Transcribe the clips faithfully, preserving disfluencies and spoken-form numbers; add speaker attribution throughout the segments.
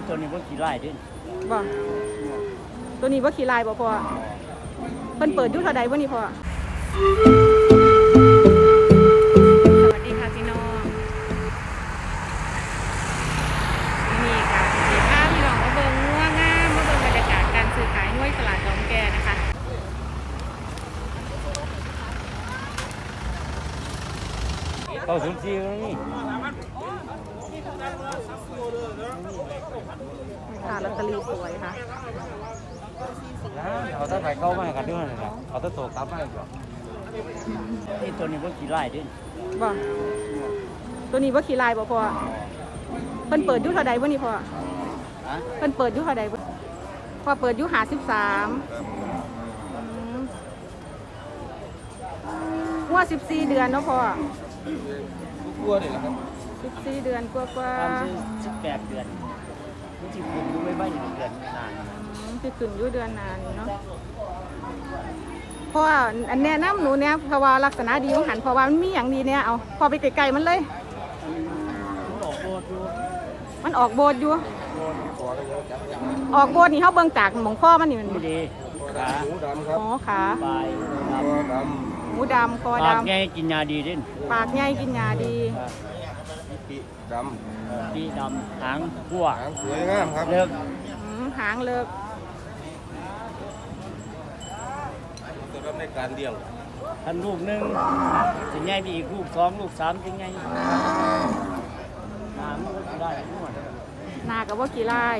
Speaker 1: ตัวนี้ว่าขี่ไล่ด้วย
Speaker 2: บ่ตัวนี้ว่าขี่ลายบ่พอเพิ่นเปิดอยู่เท่าใดบ่นี่พอสวัสดีค่ะพี่น้องนี่ค่ะสิพาพี่น้องมาเบิ่งงัวงามมาเบิ่งบรรยากาศการซื้อขายห้วยตลาดหนองแกนะคะ
Speaker 1: เข้าศูนย์สี่นี่
Speaker 2: ค่ะลอตเตอรี่สวยค่ะ
Speaker 1: เขาต้องไปเก้ามากันด้วยนะครับเขาต้องโตกลับมาอีกนี่ตัวนี้ว่าขี่ไล่ด้วย
Speaker 2: บ่ตัวนี้ว่าขี่ลายบ่พอเพิ่นเปิดอยู่เท่าใดบ่นี่พอเพิ่นเปิดอยู่เท่าใดบ่พอเปิดอยู่ห้าสิบสามงวดสิบสี่เดือนเนาะพอก
Speaker 1: ลัวเลยนะครับ
Speaker 2: สิบสี่เดือนกว่ากว่า
Speaker 1: สิบแปดเดือนนี่ที่คุณรู้ไม่ไม่ถึงเดือนนาน
Speaker 2: ที่ขึ้นอยู่เดือนนานเนาะเพราะว่าอันแนะนำหนูเนี่ยเพราะว่าลักษณะดีของหันเพราะว่ามันมีอย่างดีเนี่ยเอาพอไปไกลๆมันเลย
Speaker 1: มันออกโบดอยู่
Speaker 2: มันออกโบดอยู่ออกโบดนี่เขาเบิ่งจากหมองข้อมันนี่มัน
Speaker 1: ดีขาหมูดำครับ
Speaker 2: อ๋อขา
Speaker 1: ปลายด
Speaker 2: ำหมูดำคอดำ
Speaker 1: ปากใหญ่กินยาดีดิ้น
Speaker 2: ปากใหญ่กินยาดี
Speaker 1: ปีดำปีดำหางพั่ว
Speaker 3: หางสวยงามครับ
Speaker 1: เลิก
Speaker 2: หางเลิก
Speaker 3: ตัวรับในการเลี้ยง
Speaker 1: ท่านลูกหนึ่งจะใหญ่ไปอีกลูกสองลูกสามจะใหญ่น้ำมันก็ได้ทั้งหมด
Speaker 2: นากับว่ากี่ไร่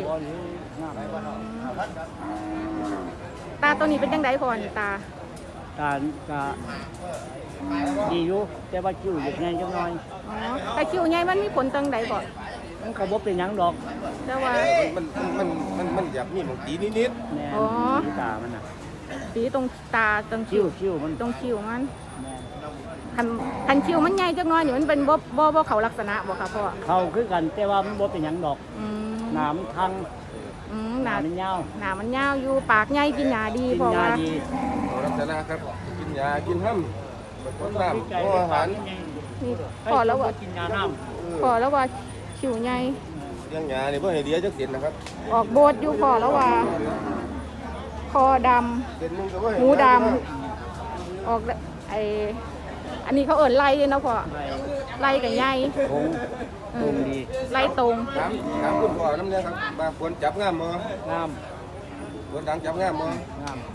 Speaker 2: ตาตัวนี้เป็นยังไงพ่อนี่ตา
Speaker 1: ตาตาดีอยู่แต่ว่าคิ้วอยู่ไงจังหน่อย
Speaker 2: อ๋อแต่คิ้วใหญ่มันมีผลตั้งใดก่อน
Speaker 1: มันเขาบอกเป็นยังดอก
Speaker 2: แต่ว่า
Speaker 3: มันมันมันมันอยากมีบางตีนิด
Speaker 1: ๆอ๋อตามันอ่ะ
Speaker 2: ตีตรงตาตรง
Speaker 1: คิ้วคิ้วมัน
Speaker 2: ตรงคิ้วมันคันคันคิ้วมันใหญ่จังน้อยอยู่มันเป็นบ่บ่บ่เขาลักษณะบ่ค่ะพ่อ
Speaker 1: เขาคือกันแต่ว่ามันบ่เป็นยังดอกหนามทังหนามันยาว
Speaker 2: หนามันยาวอยู่ปากใหญ่กินยาดีเพราะว่า
Speaker 3: ลักษณะครับกินยากินห้ำต้นน้ำต้นอาหาร
Speaker 2: นี่พอแล้วว่า
Speaker 1: กินยาน้
Speaker 2: ำพอแล้วว่าคิ้วใหญ่
Speaker 3: เรื่องยาเนี่ยเพื่อให้เดียจักเสียนนะครับ
Speaker 2: ออกโบดอยู่พอแล้วว่าคอดำหมูดำออกไออันนี้เขาเอิ้นไล่เนาะพ่อไล่กับใหญ่
Speaker 1: ตรงดี
Speaker 2: ไล่ตรง
Speaker 3: ถามถามคุณพ่อน้ำเนี่ยครับบางคนจับง่ามมั้ง
Speaker 1: ง่าม
Speaker 3: คนดังจับง่ามมั้ง
Speaker 1: ง่าม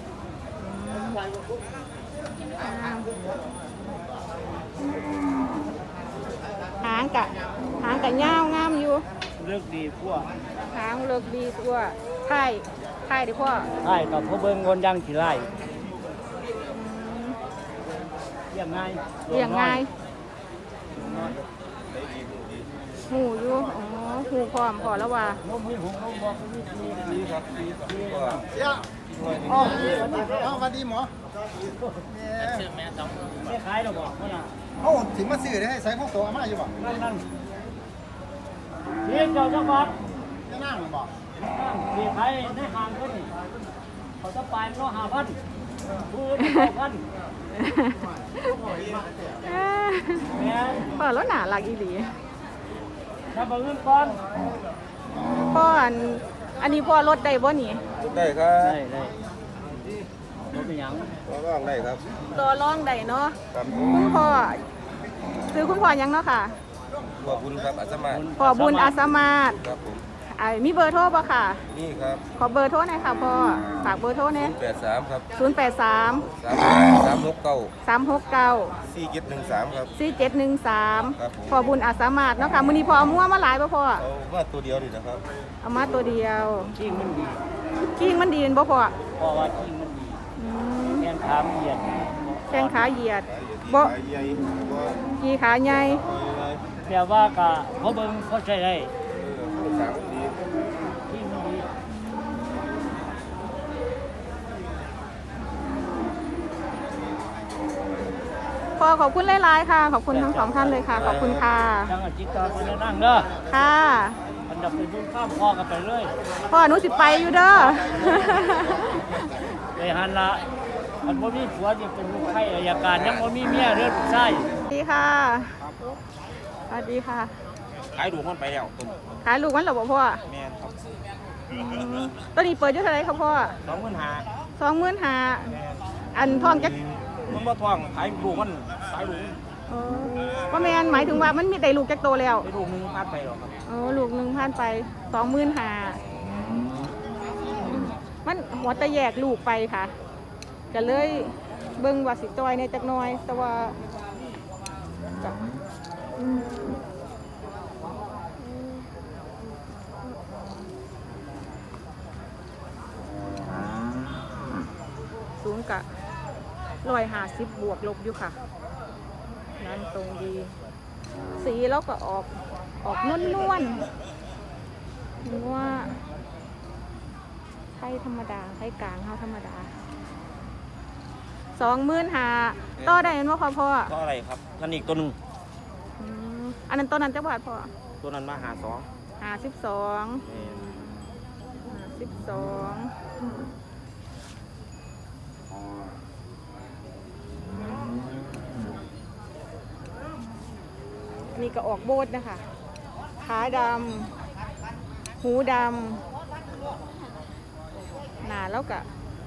Speaker 2: หางกะหางกะยาวงามอยู่
Speaker 1: เลือกดีพวก
Speaker 2: หางเลือกดีตัวไข่ไข่ดิพ่อ
Speaker 1: ไข่กับพ่อเบิ้งคนยังขี่ไล่เลี้ยงง่าย
Speaker 2: เลี้ยงง่ายหูอยู่อ๋อหูพร้อมพอแล้วว่า
Speaker 1: น้มมีหูน้มบอกมีดีครับดีครับ
Speaker 3: เสียอ๋อสวัสดีหมอ
Speaker 1: แม่แม่ต้องแม่ขายเราบอกเนี่ย
Speaker 3: เอ้าถึงมาซื้อได้ให้ใส่ของตัวอาม่าอยู่บ่
Speaker 1: นั่นนั่นเลี้ยงเจ้าเจ้าบ้าน
Speaker 3: จะนั่งหรือบ่
Speaker 1: เลี้ยงใครได้ห่างกันนี่เขาจะไปมันก็หาพันพูดต่อกัน
Speaker 2: พ่อแล้วหนาหลักอีหลี
Speaker 1: ถ้าบังเอิญก่อน
Speaker 2: พ่ออันอันนี้พ่อรถได้บ่นี่
Speaker 3: ได้ครับ
Speaker 1: ได้ได้รถเป็นยัง
Speaker 3: รอร้องได้ครับ
Speaker 2: รอร้องได้เนาะคุณพ่อซื้อคุณพ่อยังเนาะค่ะ
Speaker 3: พ่อบุญครับอาสมา
Speaker 2: พ่อบุญอาสมา
Speaker 3: ครับผม
Speaker 2: ไอ้มีเบอร์โทรป่ะค่ะ
Speaker 3: นี่ครับ
Speaker 2: ขอเบอร์โทรหน่อยค่ะพ่อฝากเบอร์โทรหน่อย
Speaker 3: ศูนย์แปดสามครับ
Speaker 2: ศูนย์แปดสาม
Speaker 3: สามหกเก้า
Speaker 2: สามหกเก้า
Speaker 3: สี่เจ็ดหนึ่งสามครับ
Speaker 2: สี่เจ็ดหนึ่งสามพ่อบุญอาสามาดเนาะค่ะมื้อนี้พ่อเอามั่วมาหลายป่ะพ่อ
Speaker 3: เอามาตัวเดียวนี่นะครับ
Speaker 2: เอามาตัวเดียว
Speaker 1: กิ้งมันดี
Speaker 2: กิ้งมันดีบ่พ่อ
Speaker 1: พ่อว่ากิ้งมันดีแข้งขาเหยียด
Speaker 2: แข้งขาเหยียดบ่กี่ขาใหญ่
Speaker 1: แต่ว่ากะเขาเบิ่งเขาใช้ได้
Speaker 2: พ่อขอบคุณหลายๆค่ะขอบคุณทั้งสองท่านเลยค่ะขอบคุณค่ะ
Speaker 1: จังอาจิตตาคนนั่งเด้อ
Speaker 2: ค่ะ
Speaker 1: อันดับเป็นรุ่นข้ามพ่อกันไปเลย
Speaker 2: พ่อหนูสิไปอยู่เด้อ
Speaker 1: ไปหันละอันบ่มีผัวจะเป็นลูกไข่อัยการยังบ่มีเมียเด้อใช่
Speaker 2: สวัสดีค่ะสวัสดีค่ะ
Speaker 3: ขายลูกมันไปแล้ว
Speaker 2: ขายลูกมันเหรอพ่อ
Speaker 3: แม่ครับ
Speaker 2: ตัวนี้เปิดอยู่เท่าไหร่ครับพ่อ
Speaker 4: สองหมื่นห้า
Speaker 2: สองหมื่นห้าอันทองจัก
Speaker 4: มันบ่ทองขายลูกมันขายลูก
Speaker 2: เออว่าแมนหมายถึงว่ามันมีได้ลูกจักโตแล้ว
Speaker 4: ได้ลูกหนึงพันไปหรอกครับ
Speaker 2: โอ้ลูกหนึ่งพันไปสองหมื่นห้ามันหัวตะแยกลูกไปค่ะก็เลยเบิ่งว่าสิจอยในจักหน้อย แต่ว่าก็อืมสูงกะร้อยห้าสิบบวกลบอยู่ค่ะนั่นตรงดี สีแล้วก็ออกออกนวลนวลนึกว่าไทยธรรมดาไทยกลางเขาธรรมดาสองหมื่นหาต่อได้เห็นว่าพอพ่อ
Speaker 4: ก็อะไรครับนั่นอีกตัวหนึง
Speaker 2: อืมอันนั้นต้นนั้นจะบาทพอ
Speaker 4: ตัวนั้นมาหาสอง
Speaker 2: หาสิบสองหาสิบสองนี่ก็ออกโบดนะคะขาดำหูดำหนาแล้วก็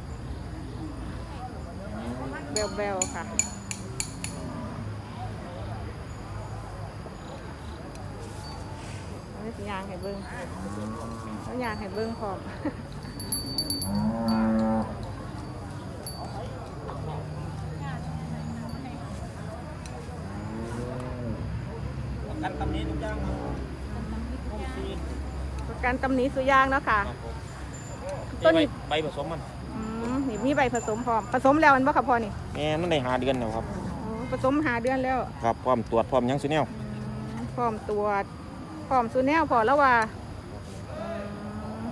Speaker 2: เบลเบลค่ะเอาสัญญาณให้เบิ้งสัญญาณให้เบิ้งพร้อม
Speaker 4: กันตำนี้ทุกอย่างครับผมซี
Speaker 2: ประกันตำหนิสุยางเนาะค่ะ
Speaker 4: ครับผม
Speaker 2: ตัวนี้
Speaker 4: ใบใบผสมมัน
Speaker 2: อืมนี่มีใบผสมพร้อมผสมแล้วมันบ่ค่ะพ่อนี่
Speaker 4: แม่มันได้หาเดือนแล้วครับ
Speaker 2: อ๋อผสมหาเดือนแล้ว
Speaker 4: ครับพร้อมตรวจพร้อมหยังสุแนว
Speaker 2: อืมพร้อมตรวจพร้อมสูแนวพอแล้วว่าอืม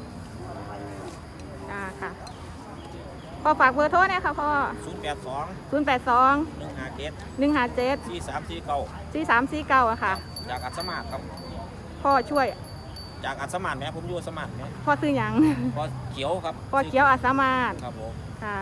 Speaker 2: อ่าค่ะพ่อฝากเบอร์โทรหน่อยค่ะพ่อ
Speaker 4: ศูนย์แปดสอง
Speaker 2: ศูนย์แปดสอง
Speaker 4: หนึ่งห้าเจ็ด
Speaker 2: หนึ่งห้าเจ็ด
Speaker 4: สี่สามสี่เก้า
Speaker 2: สี่สามสี่เก้าอะค่ะ
Speaker 4: จากอัศมาศครับ
Speaker 2: พ่อช่วย
Speaker 4: จากอัศมาศแม่ผมอยู่อัศมาศแม่
Speaker 2: พ่อซื้อหยัง
Speaker 4: พอเขียวครับ
Speaker 2: พ่อเขียวอาสามารถ
Speaker 4: ครับผม
Speaker 2: ค่ะ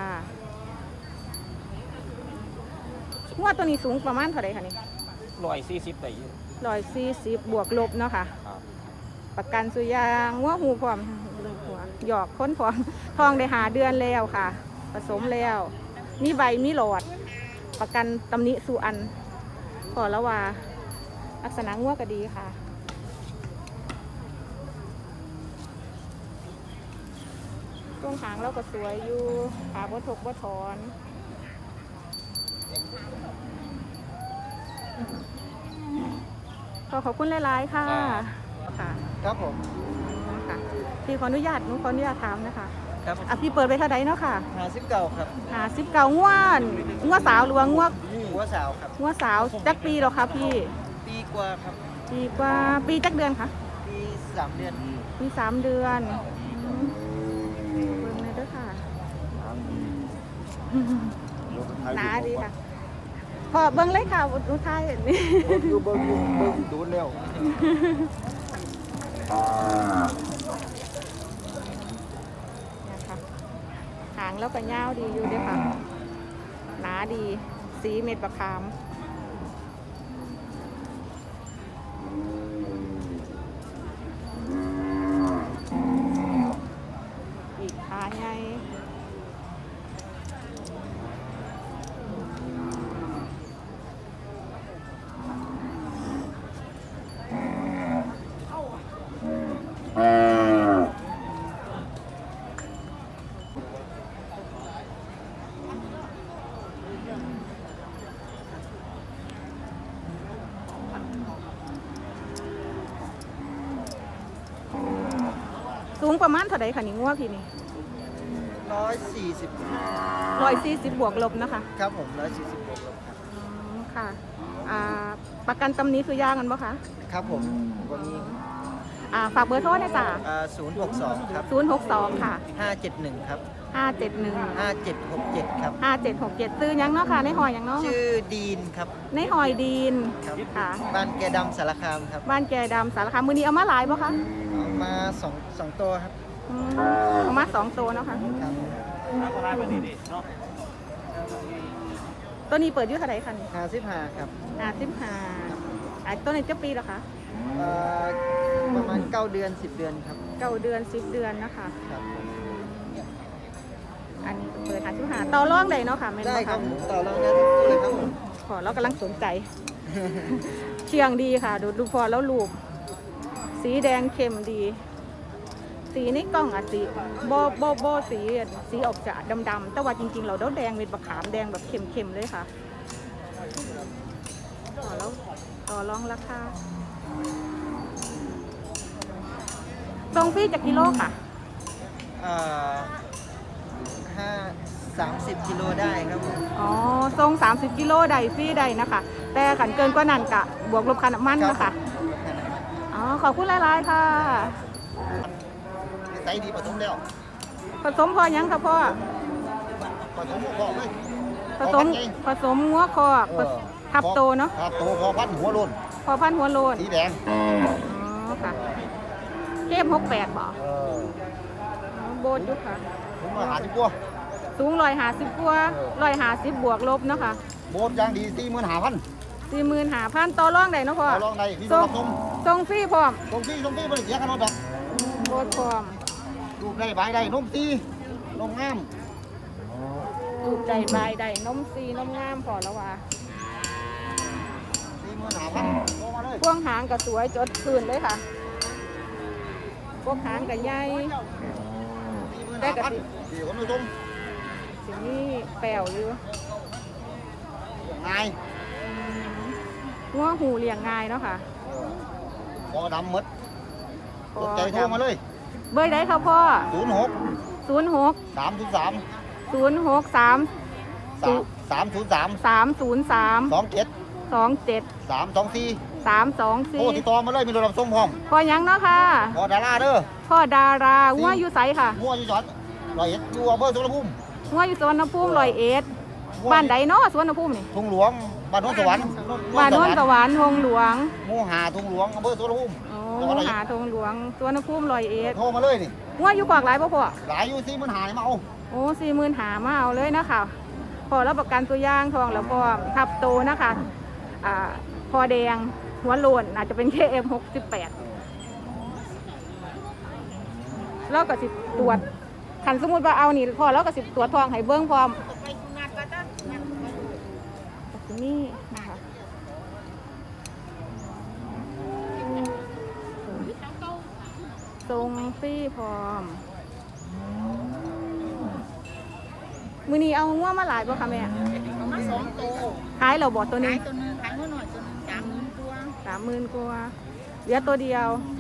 Speaker 2: งวดตัวนี้สูงประมาณเท่าไหร่คะนี่
Speaker 4: ร้อยสี่สิบได้อยู่
Speaker 2: ร้อยสี่สิบบวกลบเนาะค่ะ
Speaker 4: ครับ
Speaker 2: ประกันสุยางว่าหูพร้อมลูกหัวหยอกค้นพร้อม ทองได้หาเดือนแล้วค่ะ ผสมแล้ว มีใบมีหลอด ประกันตำหนิสุอันขอแล้วว่าลักษณะงัวก็ดีค่ะช่วงหางเราก็สวยอยู่ขาบ่ทกบ่ถอนขอขอบคุณหลายๆค่ะค่ะ
Speaker 5: ครับผม
Speaker 2: ค่ะพี่ขออนุญาตหนูขออนุญาตถามนะคะ
Speaker 5: ครับ
Speaker 2: อ่ะพี่เปิดไปเท่าใดเนาะค่ะ
Speaker 5: หาซิปเก่าครับ
Speaker 2: หาสิบเก้าง่วนง่วสาวหรือว่าง่ว
Speaker 5: หัวสาวครับ
Speaker 2: ง่วสาวจักปีหรอคะพี่
Speaker 5: ปีกว่าครับ
Speaker 2: ปีกว่าปีจักเดือนคะ
Speaker 5: ปีสามเดือน
Speaker 2: ปีสามเดือนอืมเบิ่งเลยเด้วยค่ะหนาดีค่ะพอเบิ่งเลยค่ะอุทัยนี่
Speaker 5: อยู่เบิ้งเบิ้งดูแล้ว
Speaker 2: นะคะหางแล้วก็ยาวดีอยู่เด้วยค่ะ หนาดี สีเม็ดประคามอีกขาใหญ่สูงประมาณเท่าไดคะนี่งัวพี่นี่
Speaker 5: ร้อยสี่สิบ
Speaker 2: ร้อยสี่สิบบวกลบนะคะ
Speaker 5: ครับผมร้อยสี่สิบบวกลบครับ
Speaker 2: อืมค่ะอ่าประกันตำหนี้คือยางกันปะคะ
Speaker 5: ครับผมวันนี้
Speaker 2: อ่าฝากเบอร์โทรหนะจ๊ะ
Speaker 5: ศูนย์หกสองครับ
Speaker 2: ศูนย์หกสองค่ะ
Speaker 5: ห้าเจ็ดหนึ่งครับ
Speaker 2: ห้าเจ็ดหนึ่ง
Speaker 5: ห้าเจ็ดหกเจ็ดครับ
Speaker 2: ห้าเจ็ดหกเจ็ดซื้อยังเนาะค่ะในหอยยังเนาะ
Speaker 5: ชื่อดีนครับ
Speaker 2: ในหอยดีน
Speaker 5: ครับ
Speaker 2: ค่ะ
Speaker 5: บ้านแกดำสารคามครับ
Speaker 2: บ้านแกดำสารคามมือนี้เอามาหลายปะคะ
Speaker 5: เอามาสองสองตัวครับ
Speaker 2: อืมเอามาสองตัวเนาะค่ะ
Speaker 5: ครับ
Speaker 2: ตัวนี้เปิดอยุ่เท่าไหร่คะนี่
Speaker 5: หาซิบหาครับ
Speaker 2: อ่าสิบห้าอ่าตัวนี้เจ้าปีเหรอคะ
Speaker 5: เอ่อประมาณเก้าเดือนสิบเดือนครับ
Speaker 2: อเก้าเดือนสิบเดือนนะคะ
Speaker 5: ครับผม
Speaker 2: อันนี้เปิดหาชิบหาต่อรองได้เนาะค่ะแม่น
Speaker 5: ได้
Speaker 2: บ่
Speaker 5: ครั
Speaker 2: ค่ะ
Speaker 5: บต่อรองได้ทุกตัวเลยครับผม
Speaker 2: พอเรากำลังสนใจ เชียงดีค่ะ ดูดูพอแล้วลูกสีแดงเข้มดี สีในกล้องอ่ะสีโบโบโบสีสีออกจะดำๆแต่ว่าจริงๆ เราเด้าแดงเป็นบะขามแดงแบบเข้มๆเลยค่ะต่อแล้วต่อรองราคาตรงพี่จากกิโลค่ะ
Speaker 5: อ่าห้าสามสิบกิโลได้ครับผม
Speaker 2: อ๋อทรงสามสิบกิโลใดฟรีใดนะคะ แต่ขันเกินกว่านั้นกะบวกลบค่าน้ำมันนะคะอ๋อขอบคุณหลายๆค่ะ
Speaker 5: ใส่ดีผสมแล้ว
Speaker 2: ผสมพอยังค่ะพ่อ
Speaker 5: ผสมบอกเลย
Speaker 2: ผสมผสมงัวคอกผสทับโตเนาะ
Speaker 5: ครับโตพอพันหัวโลน
Speaker 2: พอพันหัวโลน
Speaker 5: สีแดง
Speaker 2: อ๋อค่ะเข้มหกแปดบ่
Speaker 5: เออ
Speaker 2: อ๋อโบดอยู่ค่ะ
Speaker 5: ผมมาหาที่บัว
Speaker 2: สูงร้อยหาสิบกว่าร้อยหาสิบบวกลบเนาะค่ะ
Speaker 5: โบนยางดีสี่หมื่นหาพัน
Speaker 2: สี่หมื่นหาพันต่อรองได้เนาะพ่อ
Speaker 5: ต่อรองได้พี่
Speaker 2: ทร
Speaker 5: น้อง งรับชม
Speaker 2: ทรงฟรีพร้อม
Speaker 5: ตรงที่ตรงที่บริเสียกันรถดอก
Speaker 2: โบดพร้อม
Speaker 5: ดูได้ใบได้นุ่มตีนมงาม
Speaker 2: ถูกใจใบได้นมซีนมงามพอแล้วว่ะ
Speaker 5: สี่หมื่นหาพันลงมาเลย
Speaker 2: พวงหางก็สวยจดคืนเลยค่ะพวกหางก็ใหญ่
Speaker 5: สี่หมื่นหาพันสี่คนผู้ชม
Speaker 2: สินี่แปลวอยู่
Speaker 5: นาย
Speaker 2: งัวหูเลี้ยงง่ายเนาะค่ะ
Speaker 5: พอดำหมดตกใจโทรมาเลย
Speaker 2: เบอร์ใดครับพ่อ
Speaker 5: ศูนย์หก
Speaker 2: ศูนย์หก
Speaker 5: สามศูนย์สาม
Speaker 2: ศูนย์หกสาม
Speaker 5: สามสามศูนย์สาม
Speaker 2: สามศูนย์สาม
Speaker 5: สองเจ็ด
Speaker 2: สองเจ็ด
Speaker 5: สามสองสี่
Speaker 2: สามสอง
Speaker 5: โทร
Speaker 2: สี่
Speaker 5: ติดต่อมาเลยมีรถรับส่งพร้อม
Speaker 2: พอยังเนาะค่ะ
Speaker 5: พอดาราเด้อ
Speaker 2: พ่อดารางัวอยู่ไสค่ะ
Speaker 5: มั่วอยู่จอดร้อยเอ็ดอยู่อำเภอสุวรรณภูมิ
Speaker 2: งัวอยู่สวนภูมิลอยเอ็ดบ้านใดเนาะสวนภูมินี่
Speaker 5: ทุ่งหลวงบ้านโนนสวรรค์
Speaker 2: บ้านโนนสวรรค์วงหลวง
Speaker 5: หมู่หาทุ่งหลวงอำเภอสุวรรณภูมิ
Speaker 2: โอ้หาทงหลวงสวนภูมิลอยเอ็ด
Speaker 5: โทรมาเลยนี่
Speaker 2: งัวอยู่กวากหลายป่ะพ่อ
Speaker 5: หลายอยู่สี่หมื่นหามาเอา
Speaker 2: โอ้สี่หมื่นหามาเอาเลยนะคะพอรับประกันตัวอย่างทองแล้วก็ทับโตนะคะอ่าพอแดงหัวโลนอาจจะเป็น เค เอ็ม หกสิบแปดแล้วก็สิตรวจขันสมมุติว่าเอานี่พอแล้วก็สิตรวจทองให้เบิ้งพร้อมนี่นะคะทรงฟรีพร้อมมือนี้เอาง่วงมาหลายป่ะคะแม่
Speaker 6: มาสองตัว
Speaker 2: ขายเราบอดตัวหนึ
Speaker 6: ขาง ยตัวหนึงขายหัวหน่อยตัวหนึงสามหมื่นตัว
Speaker 2: สามหมื่นกว่าเหลือตัวเดียว
Speaker 6: ส